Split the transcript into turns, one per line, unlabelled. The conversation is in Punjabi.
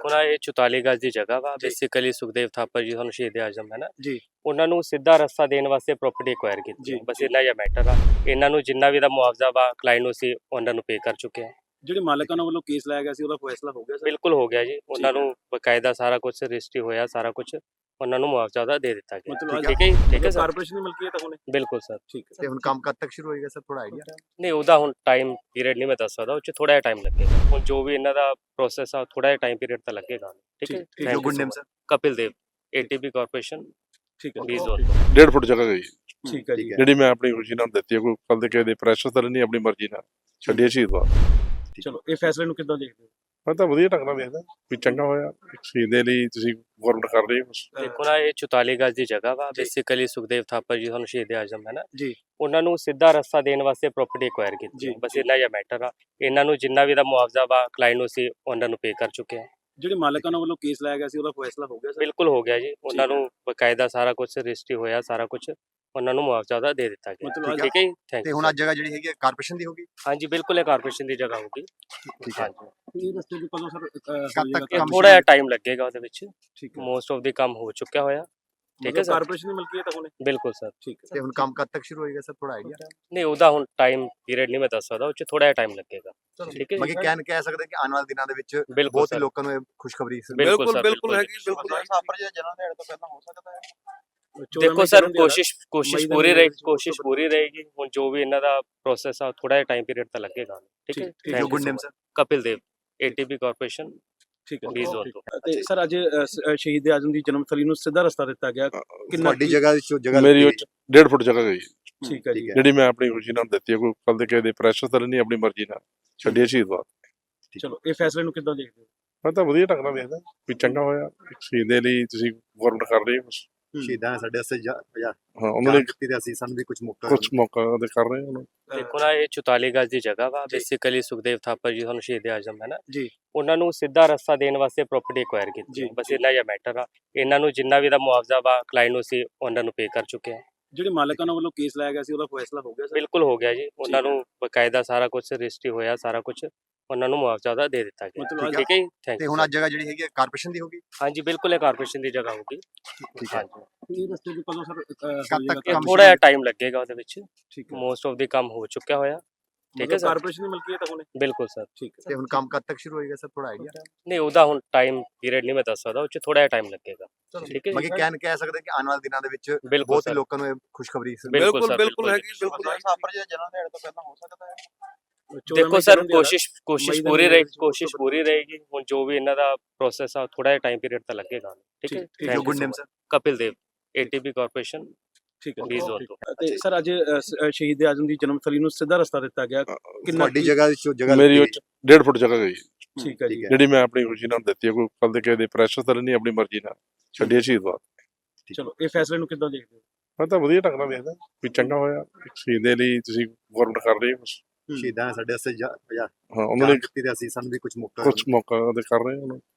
ਦੇਖੋ ਨਾ ਇਹ 44 ਗਜ਼ ਦੀ ਜਗ੍ਹਾ ਵਾ ਬੇਸਿਕਲੀ ਸੁਖਦੇਵ ਥਾਪਰ ਜੀ ਤੁਹਾਨੂੰ ਸ਼ਹੀਦ ਆਜ਼ਮ ਹੈ ਨਾ
ਜੀ
ਉਹਨਾਂ ਨੂੰ ਸਿੱਧਾ ਰਸਤਾ ਦੇਣ ਵਾਸਤੇ ਪ੍ਰਾਪਰਟੀ ਐਕਵਾਇਰ ਕੀਤੀ
ਜੀ,
ਹੈ। ਬਸ ਇੰਨਾ ਜਿਹਾ ਮੈਟਰ ਆ। ਇਹਨਾਂ ਨੂੰ ਜਿੰਨਾ ਵੀ ਦਾ ਮੁਆਵਜ਼ਾ ਵਾ ਕਲਾਇੰਟ ਨੂੰ ਸੀ ਉਹਨਾਂ ਨੂੰ ਪੇ ਕਰ ਚੁੱਕੇ ਆ।
ਜਿਹੜੇ ਮਾਲਕਾਂ ਵੱਲੋਂ ਕੇਸ ਲਾਇਆ ਗਿਆ ਸੀ ਉਹਦਾ ਫੈਸਲਾ ਹੋ ਗਿਆ ਸਰ?
ਬਿਲਕੁਲ ਹੋ ਗਿਆ ਜੀ। ਉਹਨਾਂ ਨੂੰ ਬਕਾਇਦਾ ਸਾਰਾ ਕੁਝ ਰਜਿਸਟਰੀ ਹੋਇਆ, ਸਾਰਾ ਕੁਝ ਉਹਨਾਂ ਨੂੰ ਮੁਆਵਜ਼ਾ ਦਾ ਦੇ ਦਿੱਤਾ ਗਿਆ।
ਮਤਲਬ
ਠੀਕ ਹੈ ਜੀ, ਠੀਕ ਹੈ ਸਰ।
ਕਾਰਪੋਰੇਸ਼ਨ ਦੀ ਮਲਕੀਅਤ ਹੋਣੇ?
ਬਿਲਕੁਲ ਸਰ।
ਠੀਕ ਹੈ।
ਤੇ ਹੁਣ ਕੰਮ ਕਦ ਤੱਕ ਸ਼ੁਰੂ ਹੋਏਗਾ ਸਰ, ਥੋੜਾ ਆਈਡੀਆ?
ਨਹੀਂ ਉਹਦਾ ਹੁਣ ਟਾਈਮ ਪੀਰੀਅਡ ਨਹੀਂ ਮੈਂ ਦੱਸ ਸਕਦਾ, ਉਹ 'ਚ ਥੋੜਾ ਜਿਹਾ ਟਾਈਮ ਲੱਗੇਗਾ। ਹੁਣ ਜੋ ਵੀ ਇਹਨਾਂ ਦਾ ਪ੍ਰੋਸੈਸ ਆ ਥੋੜਾ ਜਿਹਾ ਟਾਈਮ ਪੀਰੀਅਡ ਤਾਂ ਲੱਗੇਗਾ। ਠੀਕ ਹੈ।
ਠੀਕ
ਜੋ good name sir?
Kapil Dev, ATP corporation
ਠੀਕ ਹੈ।
B zone.
1.5 ਫੁੱਟ ਜਗ੍ਹਾ ਗਈ
ਠੀਕ ਹੈ ਜੀ।
ਜਿਹੜੀ ਮੈਂ ਆਪਣੀ ਖੁਸ਼ੀ ਨਾਲ ਦਿੱਤੀ ਹੈ, ਕੋਈ ਕੱਲ ਦੇ ਕਿਸੇ ਦੇ ਪ੍ਰੈਸ਼ਰ ਤਾਂ ਨਹੀਂ, ਆਪਣੀ ਮਰਜ਼ੀ ਨਾਲ ਛੱਡੀ ਸ਼ਹੀਦ ਵਾ।
ਚਲੋ ਇਹ ਫੈਸਲੇ ਨੂੰ ਕਿੱਦਾਂ ਦੇਖਦੇ ਹੋ?
ਮੈਂ ਤਾਂ ਵਧੀਆ ਢੰਗ ਨਾਲ ਵੇਖਦਾ ਵੀ ਚੰਗਾ ਹੋਇਆ ਸ਼ਹੀਦ ਦੇ ਲਈ ਤੁਸੀਂ ਗਵਰਨਮੈਂਟ ਕਰ ਰਹੀ ਹੋ।
ਦੇਖੋ ਨਾ ਇਹ 44 ਗਜ਼ ਦੀ ਜਗ੍ਹਾ ਵਾ ਬੇਸਿਕਲੀ ਸੁਖਦੇਵ ਥਾਪਰ ਜੀ ਤੁਹਾਨੂੰ ਸ਼ਹੀਦ ਆਜ਼ਮ ਹੈ ਨਾ
ਜੀ
ਉਹਨਾਂ ਨੂੰ ਸਿੱਧਾ ਰਸਤਾ ਦੇਣ ਵਾਸਤੇ ਪ੍ਰਾਪਰਟੀ ਐਕਵਾਇਰ ਕੀਤੀ
ਜੀ,
ਹੈ। ਬਸ ਇੰਨਾ ਜਿਹਾ ਮੈਟਰ ਆ। ਇਹਨਾਂ ਨੂੰ ਜਿੰਨਾ ਵੀ ਦਾ ਮੁਆਵਜ਼ਾ ਵਾ ਕਲਾਇੰਟ ਨੂੰ ਸੀ ਉਹਨਾਂ ਨੂੰ ਪੇ ਕਰ ਚੁੱਕੇ ਆ।
ਜਿਹੜੇ ਮਾਲਕਾਂ ਵੱਲੋਂ ਕੇਸ ਲਾਇਆ ਗਿਆ ਸੀ ਉਹਦਾ ਫੈਸਲਾ ਹੋ ਗਿਆ ਸਰ?
ਬਿਲਕੁਲ ਹੋ ਗਿਆ ਜੀ। ਉਹਨਾਂ ਨੂੰ ਬਕਾਇਦਾ ਸਾਰਾ ਕੁਝ ਰਜਿਸਟਰੀ ਹੋਇਆ, ਸਾਰਾ ਕੁਝ ਉਹਨਾਂ ਨੂੰ ਮੁਆਵਜ਼ਾ ਦਾ ਦੇ ਦਿੱਤਾ ਗਿਆ।
ਮਤਲਬ
ਠੀਕ ਹੈ ਜੀ, ਥੈਂਕ
ਤੇ
ਯੂ।
ਹੁਣ ਅੱਜ ਜਗ੍ਹਾ ਜਿਹੜੀ ਹੈਗੀ ਕਾਰਪੋਰੇਸ਼ਨ ਦੀ ਹੋਗੀ?
ਹਾਂਜੀ ਬਿਲਕੁਲ ਇਹ ਕਾਰਪੋਰੇਸ਼ਨ ਦੀ ਜਗ੍ਹਾ ਹੋਗੀ।
ਠੀਕ ਹੈ।
ਇਹ ਰਸਤੇ ਦੀ ਕਦੋਂ ਸਰ
ਕਦ ਤੱਕ
ਇਹ
ਕੰਮ
ਥੋੜਾ ਜਿਹਾ ਟਾਈਮ ਲੱਗੇਗਾ ਉਹਦੇ ਵਿੱਚ।
ਠੀਕ ਹੈ।
ਮੋਸਟ ਆਫ ਦੀ ਕੰਮ ਹੋ ਚੁੱਕਿਆ ਹੋਇਆ। ਠੀਕ ਹੈ ਸਰ।
ਕਾਰਪੋਰੇਸ਼ਨ ਦੀ ਮਲਕੀਅਤ ਹੋਣੇ?
ਬਿਲਕੁਲ ਸਰ।
ਠੀਕ ਹੈ।
ਤੇ ਹੁਣ ਕੰਮ ਕਦ ਤੱਕ ਸ਼ੁਰੂ ਹੋਏਗਾ ਸਰ, ਥੋੜਾ ਆਈਡੀਆ?
ਨਹੀਂ ਉਹਦਾ ਹੁਣ ਟਾਈਮ ਪੀਰੀਅਡ ਨਹੀਂ ਮੈਂ ਦੱਸ ਸਕਦਾ, ਉਹ 'ਚ ਥੋੜਾ ਜਿਹਾ ਟਾਈਮ ਲੱਗੇਗਾ। ਠੀਕ ਹੈ
ਬਾਕੀ ਕਹਿ ਸਕਦੇ ਕਿ ਆਉਣ ਵਾਲੇ ਦਿਨਾਂ ਦੇ ਵਿੱਚ
ਬਿਲਕੁਲ
ਬਹੁਤ ਹੀ
ਸਰ।
ਲੋਕਾਂ ਨੂੰ ਇਹ ਖੁਸ਼ਖਬਰੀ
ਬਿਲਕੁਲ ਸਰ,
ਬਿਲਕੁਲ ਹੈਗੀ, ਬਿਲਕੁਲ
ਥਾਪਰ ਜੀ ਜਨਮ ਦਿਹਾੜੇ ਤੋਂ ਪਹਿਲਾਂ ਹੋ ਸਕਦਾ ਹੈ?
14
ਦੇਖੋ
ਮਈ
ਸਰ
ਜਨਮ ਦਿਹਾੜਾ।
ਕੋਸ਼ਿਸ਼
ਮਈ ਦਾ
ਪੂਰੀ
ਮਹੀਨਾ
ਰਹੇਗੀ,
ਵਿੱਚ
ਕੋਸ਼ਿਸ਼ ਪੂਰੀ ਰਹੇਗੀ। ਹੁਣ ਜੋ ਵੀ ਇਹਨਾਂ ਦਾ ਪ੍ਰੋਸੈਸ ਆ ਥੋੜਾ ਜਿਹਾ ਟਾਈਮ ਪੀਰੀਅਡ ਤਾਂ ਲੱਗੇਗਾ। ਠੀਕ ਹੈ।
ਠੀਕ,
Thank
ਜੋ
you
good
so
name
much.
Sir?
Kapil Dev, ATP corporation
ਠੀਕ ਹੈ।
ਬੀ ਜ਼ੋਨ ਤੋਂ।
ਤੇ ਸਰ ਅੱਜ ਸ਼ਹੀਦ ਆਜ਼ਮ ਦੀ ਜਨਮ ਥਲੀ ਨੂੰ ਸਿੱਧਾ ਰਸਤਾ ਦਿੱਤਾ ਗਿਆ।
ਤੁਹਾਡੀ ਜਗ੍ਹਾ ਜਗ੍ਹਾ
ਮੇਰੀ 1.5 ਫੁੱਟ ਜਗ੍ਹਾ ਗਈ
ਠੀਕ ਹੈ ਜੀ।
ਜਿਹੜੀ ਮੈਂ ਆਪਣੀ ਖੁਸ਼ੀ ਨਾਲ ਦਿੱਤੀ ਹੈ, ਕੋਈ ਕੱਲ ਦੇ ਕਿਸੇ ਦੇ ਪ੍ਰੈਸ਼ਰ ਤਾਂ ਨਹੀਂ, ਆਪਣੀ ਮਰਜ਼ੀ ਨਾਲ ਛੱਡੀ ਸ਼ਹੀਦ ਵਾ।
ਚਲੋ ਇਹ ਫੈਸਲੇ ਨੂੰ ਕਿੱਦਾਂ ਦੇਖਦੇ ਹੋ?
ਮੈਂ ਤਾਂ ਵਧੀਆ ਢੰਗ ਨਾਲ ਵੇਖਦਾ ਵੀ ਚੰਗਾ ਹੋਇਆ ਸ਼ਹੀਦ ਦੇ ਲਈ ਤੁਸੀਂ ਗਵਰਨਮੈਂਟ ਕਰ ਰਹੀ ਹੋ।
ਸ਼ਹੀਦਾਂ ਨੇ ਸਾਡੇ ਵਾਸਤੇ
ਹਾਂ ਉਹਨਾਂ ਨੇ
ਦਿੱਤੀ ਤੇ ਅਸੀਂ ਸਾਨੂੰ ਵੀ ਕੁਝ ਮੌਕਾ
ਕੁਝ ਮੌਕਾ ਦੇ ਕਰ ਰਹੇ ਉਹਨਾਂ
ਦੇਖੋ ਨਾ ਇਹ 44 ਗਜ਼ ਦੀ ਜਗ੍ਹਾ ਵਾ ਬੇਸਿਕਲੀ ਸੁਖਦੇਵ ਥਾਪਰ ਜੀ ਤੁਹਾਨੂੰ ਸ਼ਹੀਦ ਆਜ਼ਮ ਹੈ ਨਾ
ਜੀ
ਉਹਨਾਂ ਨੂੰ ਸਿੱਧਾ ਰਸਤਾ ਦੇਣ ਵਾਸਤੇ ਪ੍ਰਾਪਰਟੀ ਐਕਵਾਇਰ ਕੀਤੀ ਹੈ। ਬਸ ਇੰਨਾ ਜਿਹਾ ਮੈਟਰ ਆ। ਇਹਨਾਂ ਨੂੰ ਜਿੰਨਾ ਵੀ ਦਾ ਮੁਆਵਜ਼ਾ ਵਾ ਕਲਾਇੰਟ ਨੂੰ ਸੀ ਉਹਨਾਂ ਨੂੰ ਪੇ ਕਰ ਚੁੱਕੇ ਆ।
ਜਿਹੜੇ ਮਾਲਕਾਂ ਵੱਲੋਂ ਕੇਸ ਲਾਇਆ ਗਿਆ ਸੀ ਉਹਦਾ ਫੈਸਲਾ ਹੋ ਗਿਆ ਸਰ?
ਬਿਲਕੁਲ ਹੋ ਗਿਆ ਜੀ। ਉਹਨਾਂ ਨੂੰ ਬਕਾਇਦਾ ਸਾਰਾ ਕੁਝ ਰਜਿਸਟਰੀ ਹੋਇਆ, ਸਾਰਾ ਕੁਝ ਉਹਨਾਂ ਨੂੰ ਮੁਆਵਜ਼ਾ ਦਾ ਦੇ ਦਿੱਤਾ ਗਿਆ।
ਮਤਲਬ
ਠੀਕ ਹੈ ਜੀ, ਥੈਂਕ
ਤੇ
ਯੂ।
ਹੁਣ ਅੱਜ ਜਗ੍ਹਾ ਜਿਹੜੀ ਹੈਗੀ ਕਾਰਪੋਰੇਸ਼ਨ ਦੀ ਹੋਗੀ?
ਹਾਂਜੀ ਬਿਲਕੁਲ ਇਹ ਕਾਰਪੋਰੇਸ਼ਨ ਦੀ ਜਗ੍ਹਾ ਹੋਗੀ।
ਠੀਕ ਹੈ।
ਇਹ ਰਸਤੇ ਦੀ ਕਦੋਂ ਸਰ
ਕਦ ਤੱਕ
ਇਹ
ਕੰਮ
ਥੋੜਾ ਜਿਹਾ ਟਾਈਮ ਲੱਗੇਗਾ ਉਹਦੇ ਵਿੱਚ।
ਠੀਕ ਹੈ।
ਮੋਸਟ ਆਫ ਦੀ ਕੰਮ ਹੋ ਚੁੱਕਿਆ ਹੋਇਆ। ਠੀਕ ਹੈ ਸਰ।
ਕਾਰਪੋਰੇਸ਼ਨ ਦੀ ਮਲਕੀਅਤ ਹੋਣੇ?
ਬਿਲਕੁਲ ਸਰ।
ਠੀਕ ਹੈ।
ਤੇ ਹੁਣ ਕੰਮ ਕਦ ਤੱਕ ਸ਼ੁਰੂ ਹੋਏਗਾ ਸਰ, ਥੋੜਾ ਆਈਡੀਆ?
ਨਹੀਂ ਉਹਦਾ ਹੁਣ ਟਾਈਮ ਪੀਰੀਅਡ ਨਹੀਂ ਮੈਂ ਦੱਸ ਸਕਦਾ, ਉਹ 'ਚ ਥੋੜਾ ਜਿਹਾ ਟਾਈਮ ਲੱਗੇਗਾ। ਠੀਕ ਹੈ
ਬਾਕੀ
ਜੀ।
ਕਹਿ ਸਕਦੇ ਕਿ ਆਉਣ ਵਾਲੇ ਦਿਨਾਂ ਦੇ ਵਿੱਚ
ਬਿਲਕੁਲ
ਬਹੁਤ ਹੀ
ਸਰ।
ਲੋਕਾਂ ਨੂੰ ਇਹ ਖੁਸ਼ਖਬਰੀ
ਬਿਲਕੁਲ ਸਰ,
ਬਿਲਕੁਲ ਹੈਗੀ, ਬਿਲਕੁਲ
ਥਾਪਰ ਜੀ ਜਨਮ ਦਿਹਾੜੇ ਤੋਂ ਪਹਿਲਾਂ ਹੋ ਸਕਦਾ ਹੈ?
14
ਦੇਖੋ
ਮਈ
ਸਰ
ਜਨਮ ਦਿਹਾੜਾ।
ਕੋਸ਼ਿਸ਼
ਮਈ ਦਾ
ਪੂਰੀ
ਮਹੀਨਾ
ਰਹੇਗੀ,
ਵਿੱਚ
ਕੋਸ਼ਿਸ਼ ਪੂਰੀ ਰਹੇਗੀ। ਹੁਣ ਜੋ ਵੀ ਇਹਨਾਂ ਦਾ ਪ੍ਰੋਸੈਸ ਆ ਥੋੜਾ ਜਿਹਾ ਟਾਈਮ ਪੀਰੀਅਡ ਤਾਂ ਲੱਗੇਗਾ। ਠੀਕ ਹੈ।
ਠੀਕ,
ਜੋ good name sir?
Kapil Dev, ATP corporation
ਠੀਕ ਹੈ।
ਬੀ ਜ਼ੋਨ ਤੋਂ।
ਤੇ ਸਰ ਅੱਜ ਸ਼ਹੀਦ ਆਜ਼ਮ ਦੀ ਜਨਮ ਥਲੀ ਨੂੰ ਸਿੱਧਾ ਰਸਤਾ ਦਿੱਤਾ ਗਿਆ।
ਤੁਹਾਡੀ ਜਗ੍ਹਾ
ਮੇਰੀ 1.5 ਫੁੱਟ ਜਗ੍ਹਾ ਗਈ
ਠੀਕ ਹੈ ਜੀ।
ਜਿਹੜੀ ਮੈਂ ਆਪਣੀ ਖੁਸ਼ੀ ਨਾਲ ਦਿੱਤੀ ਹੈ, ਕੋਈ ਕੱਲ ਦੇ ਕਿਸੇ ਦੇ ਪ੍ਰੈਸ਼ਰ ਤਾਂ ਨਹੀਂ, ਆਪਣੀ ਮਰਜ਼ੀ ਨਾਲ ਛੱਡੀ ਸ਼ਹੀਦ ਵਾ।
ਚਲੋ ਇਹ ਫੈਸਲੇ ਨੂੰ ਕਿੱਦਾਂ ਦੇਖਦੇ ਹੋ?
ਮੈਂ ਤਾਂ ਵਧੀਆ ਢੰਗ ਨਾਲ ਵੇਖਦਾ ਵੀ ਚੰਗਾ ਹੋਇਆ ਸ਼ਹੀਦ ਦੇ ਲਈ ਤੁਸੀਂ ਗਵਰਨਮੈਂਟ ਕਰ ਰਹੀ ਹੋ।
ਸ਼ਹੀਦਾਂ ਨੇ ਸਾਡੇ ਵਾਸਤੇ
ਹਾਂ ਉਹਨਾਂ ਨੇ
ਦਿੱਤੀ ਤੇ ਅਸੀਂ ਸਾਨੂੰ ਵੀ ਕੁਝ ਮੌਕਾ
ਕੁਝ ਮੌਕਾ ਦੇ ਕਰ ਰਹੇ ਉਹਨਾਂ